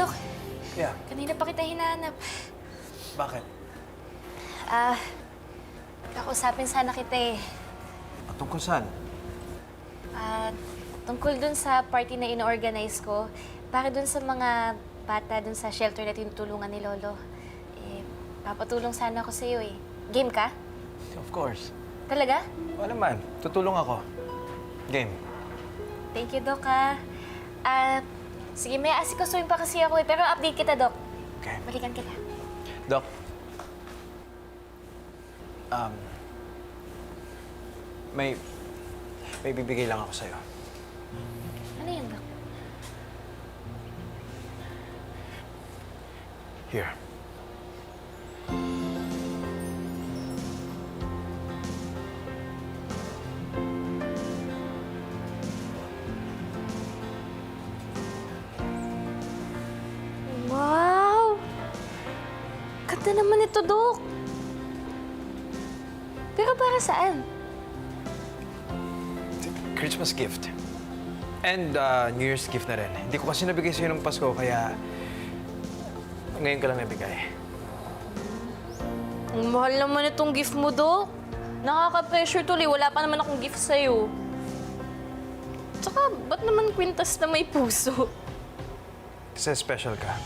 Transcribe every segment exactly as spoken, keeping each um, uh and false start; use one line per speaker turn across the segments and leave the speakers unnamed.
Dok.
Yeah.
Kanina pa kita hinahanap.
Bakit?
Ah, kakausapin sana kita eh.
Tungkol saan?
Ah, tungkol dun sa party na ino-organize ko, para dun sa mga bata dun sa shelter na tinutulungan ni Lolo. Eh, papatulong sana ako sa'yo eh. Game ka?
Of course.
Talaga?
O naman, tutulong ako. Game.
Thank you, Doc, ha. Ah, sige, may asikasuhin pa kasi ako eh. Pero update kita, Doc.
Okay.
Balikan kita.
Doc. Um, may... May bibigay lang ako sa'yo.
Ano yun, Doc?
Here.
Wow! Ganda naman ito, Doc. Pero para saan?
Christmas gift. And uh, New Year's gift na rin. Hindi ko kasi nabigay sa'yo ng Pasko, kaya... Ngayon ka lang nabigay.
Ang mahal naman itong gift mo, Doc. Nakaka-pressure tuloy. Wala pa naman akong gift sa'yo. Tsaka, ba't naman kwintas na may puso?
Kasi special ka.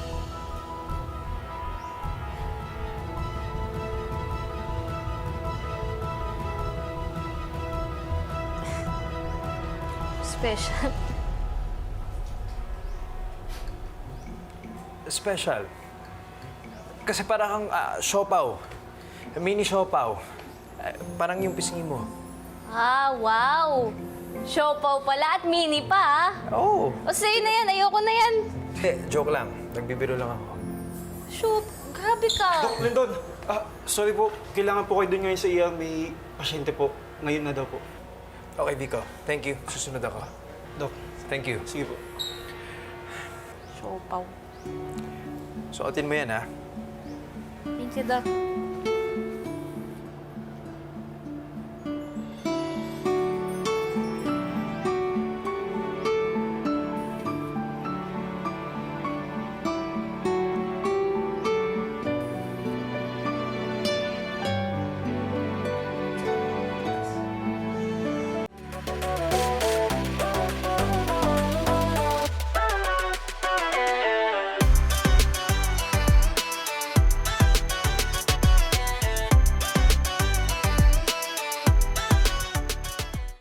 Special.
Special. Kasi parang kang uh, siopaw. Mini siopaw. Uh, parang yung pisngi mo.
Ah, wow! Siopaw pala at mini pa, ah.
Oo.
O sa'yo na yan, ayoko na yan.
Eh, joke lang. Nagbibiro lang ako.
Shoot, grabe ka.
Dok, Lindon! Ah, sorry po. Kailangan po kayo doon ngayon sa I R. May pasyente po. Ngayon na daw po.
Okay, Vico. Thank you. Susunod ako.
Dok,
Thank you.
sige po.
Siopaw.
Suotin mo yan, ha?
Thank you, Doc.